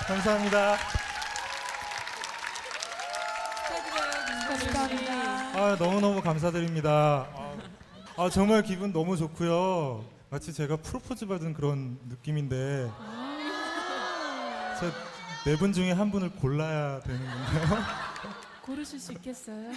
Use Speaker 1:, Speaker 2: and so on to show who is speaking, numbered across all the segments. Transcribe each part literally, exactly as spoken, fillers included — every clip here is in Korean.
Speaker 1: 감사합니다.
Speaker 2: 축하드려요.
Speaker 1: 아, 너무너무 감사드립니다. 아, 아, 정말 기분 너무 좋고요. 마치 제가 프로포즈 받은 그런 느낌인데 저 네 분 중에 한 분을 골라야 되는 건가요?
Speaker 2: 고르실 수 있겠어요?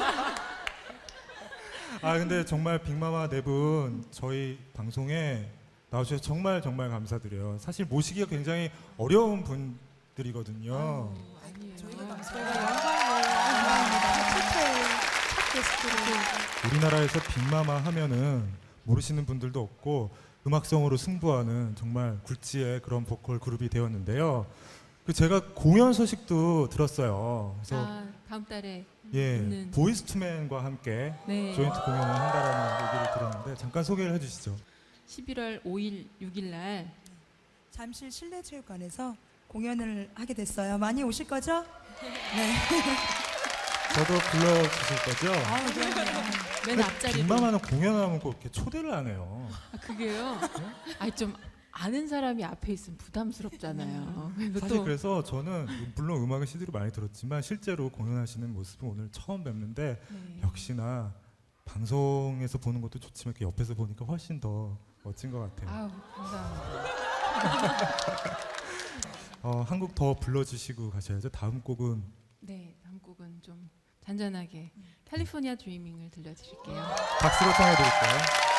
Speaker 1: 아, 근데 정말 빅마마 네 분 저희 방송에 나와주셔서 정말 정말 감사드려요. 사실 모시기가 굉장히 어려운 분들이거든요.
Speaker 2: 아니에요.
Speaker 3: 저희가
Speaker 2: 저희가
Speaker 3: 감사해요.
Speaker 2: 영광이에요.
Speaker 3: 최초의 첫 게스트로
Speaker 1: 우리나라에서 빅마마 하면은 모르시는 분들도 없고 음악성으로 승부하는 정말 굴지의 그런 보컬 그룹이 되었는데요. 그 제가 공연 소식도 들었어요. 그래서
Speaker 2: 아, 다음 달에
Speaker 1: 예,
Speaker 2: 있는
Speaker 1: 보이스투맨과 함께
Speaker 2: 네.
Speaker 1: 조인트 공연을 한다라는 얘기를 들었는데 잠깐 소개를 해주시죠.
Speaker 2: 십일월 오일, 육일 날
Speaker 3: 잠실 실내체육관에서 공연을 하게 됐어요. 많이 오실 거죠? 네.
Speaker 1: 저도 불러주실 거죠?
Speaker 3: 아, 그럼요.
Speaker 2: 맨 앞자리로.
Speaker 1: 빅마마는 공연하면 꼭 이렇게 초대를 안 해요.
Speaker 2: 아, 그게요? 아니 좀 아는 사람이 앞에 있으면 부담스럽잖아요. 그리고
Speaker 1: 사실
Speaker 2: 또
Speaker 1: 그래서 저는 물론 음악을 씨디로 많이 들었지만 실제로 공연하시는 모습은 오늘 처음 뵙는데
Speaker 2: 네.
Speaker 1: 역시나 방송에서 보는 것도 좋지만 이렇게 옆에서 보니까 훨씬 더 멋진 것 같아요.
Speaker 2: 아우 감사합니다.
Speaker 1: 어, 한 곡 더 불러주시고 가셔야죠. 다음 곡은
Speaker 2: 네, 다음 곡은 좀 잔잔하게 캘리포니아 드리밍을 들려드릴게요.
Speaker 1: 박수로 청해드릴게요.